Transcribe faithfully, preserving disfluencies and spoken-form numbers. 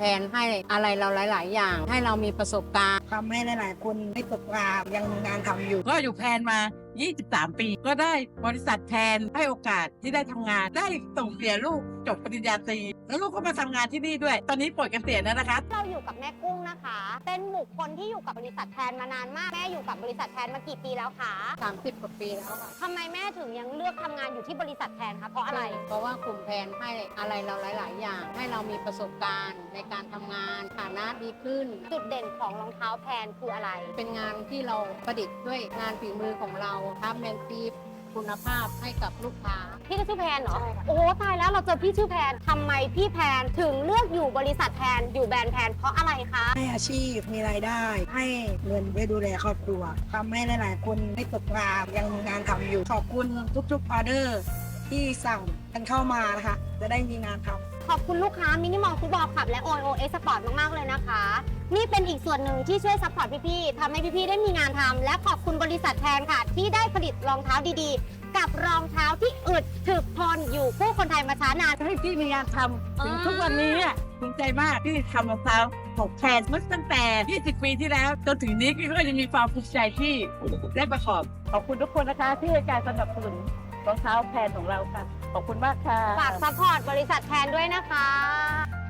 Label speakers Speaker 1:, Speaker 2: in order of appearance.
Speaker 1: แผนให้อะไรเราหลาย ๆ อย่าง ให้เรามีประสบการณ์
Speaker 2: ทำให้หลายๆคนไม่ตกงานยังมีงานทำอยู่
Speaker 3: ก็อยู่แพนมา ยี่สิบสาม ปี ก็ได้บริษัทแพนให้โอกาสที่ได้ทำงาน ได้ส่งเสียลูกจบปริญญาตรี แล้วลูกก็มาทำงานที่นี่ด้วย ตอนนี้ปลดเกษียณแล้วนะคะ
Speaker 4: เราอยู่กับแม่กุ้งนะคะ เป็นบุคคลที่อยู่กับบริษัทแพนมานานมาก แม่อยู่กับบริษัทแพนมากี่ปีแล้วคะ
Speaker 1: สามสิบ กว่าปีแล้วค่ะ
Speaker 4: ทำไมแม่ถึงยังเลือกทำงานอยู่ที่บริษัทแพนคะ เพราะอะไร
Speaker 1: เพราะว่ากลุ่มแผนให้อะไรเราหลาย ๆ อย่าง ให้เรามีประสบการณ์ในการทำงานฐานะดีขึ้น
Speaker 4: จุดเด่นของรองเท้าแพนคืออะไร
Speaker 1: เป็นงานที่เราประดิษฐ์ด้วยงานฝีมือของเราทำแมนซีคุณภาพให้กับลูกค้า
Speaker 4: พี่ก็ชื่อแพนเหรอ
Speaker 1: ใช่ค่ะ
Speaker 4: โอ้โหตายแล้วเราเจอพี่ชื่อแพนทำไมพี่แพนถึงเลือกอยู่บริษัทแพนอยู่แบรนด์แพนเพราะอะไรคะ
Speaker 2: ให้อาชีพมีรายได้ ให้เงินไว้ดูแลครอบครัวทำให้หลายๆคนไม่ตกงานยังมีงานทำอยู่ ขอบคุณทุกๆออเดอร์ที่สั่งกันเข้ามานะคะ จะได้มีงานทำ
Speaker 4: ขอบคุณลูกค้ามินิมอลฟุตบอลคลับและ โอ โอ เอ็กซ์ Sport มาก ๆ เลยนะคะ นี่เป็นอีกส่วนหนึ่งที่ช่วยซัพพอร์ตพี่ๆทำให้พี่ๆได้มีงานทำและขอบคุณบริษัทแทนค่ะ ที่ได้ผลิตรองเท้าดีๆ กับรองเท้าที่อึดถึกทนอยู่คู่คนไทยมาช้านาน
Speaker 3: ให้พี่มีงานทำถึงทุกวันนี้อะภูมิใจมากที่ทำรองเท้าของแพนมาตั้งแต่ ยี่สิบ ปีที่แล้ว จนถึงนี้ก็ยังมีความภูมิใจที่ได้ประกอบ ขอบคุณทุกคนนะคะ ที่ให้การสนับสนุนรองเท้าแพนของเราค่ะ ขอบคุณมากค่ะ
Speaker 4: ฝากซัพพอร์ตบริษัทแทนด้วยนะคะ